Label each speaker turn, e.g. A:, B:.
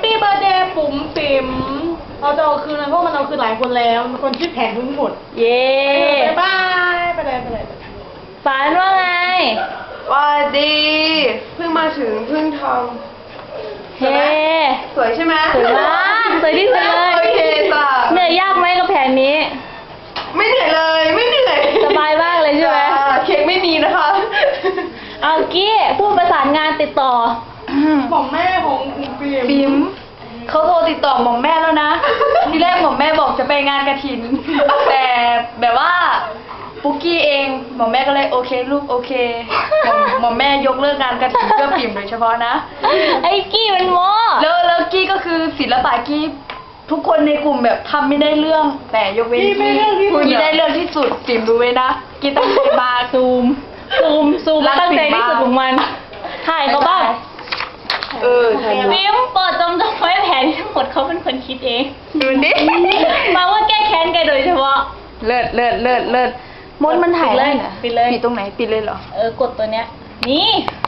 A: ปี้เบ t ร์ a เดย์ปุ๋มปิ๋มเราจะเอาคืนนะเพราะมันเอาคืนหลายคนแล้วมันคนคิดแผนทั้งหมด
B: เย้
A: ไปบายไปเลย
B: ฝันว่าไง
C: ว่าดีเพิ่งมาถึงเพิ่งท
B: เฮ้
C: ำสวยใช่ไหม
B: สวยมากสวยที่สุดเลย
C: โอเคจ้ะ
B: เหนื่อยยากไหมกับแผนนี้
C: ไม่เหนื่อยเลยไม่เหนื่อย
B: สบายมากเลยใช่ไหม
C: จ้ะเค้กไม่มีนะคะ
B: เอากี้พูดประสานงานติดต่อ
A: ของแม่ของปิ๋ม
D: บิมเขาโทรติดต่อหม่อมแม่แล้วนะ ทีแรกหม่อมแม่บอกจะไปงานกฐิน แต่แบบว่าปุ๊กกี้เองหม่อมแม่ก็เลยโอเคลูกโอเคหม่อมแม่ยกเลิกงานกฐินเพื่อปิ่มโดยเฉพาะนะ
B: ไอ้กี้มันโม
D: แล้วกี้ก็คือศิลปะกี้ทุกคนในกลุ่มแบบทำไม่ได้เรื่อง แต่ยกเว้นกี้กี้ได้เรื่องที่สุดปิ่มรู้ไว้นะกี้ตั้งใจมา
B: ซูม
D: รัก
B: ตั้งใจ
D: ปิ่ม
B: ที่สุด
D: มาก
B: ของมัน ถ่ายเขาบ้าง
C: ใช่
B: วิมโปรดจำไว้แผนทั้งหมดเขาเป็นคนคิดเอง
C: ดูดิ
B: มาว่าแก้แค้นแกโดยเฉพาะ
D: เลิศมดมันถ่ายได้เหรอ
B: ปิดเลย
D: ปิดตรงไหนปิดเลยเหรอ
B: กดตัวเนี้ย นี่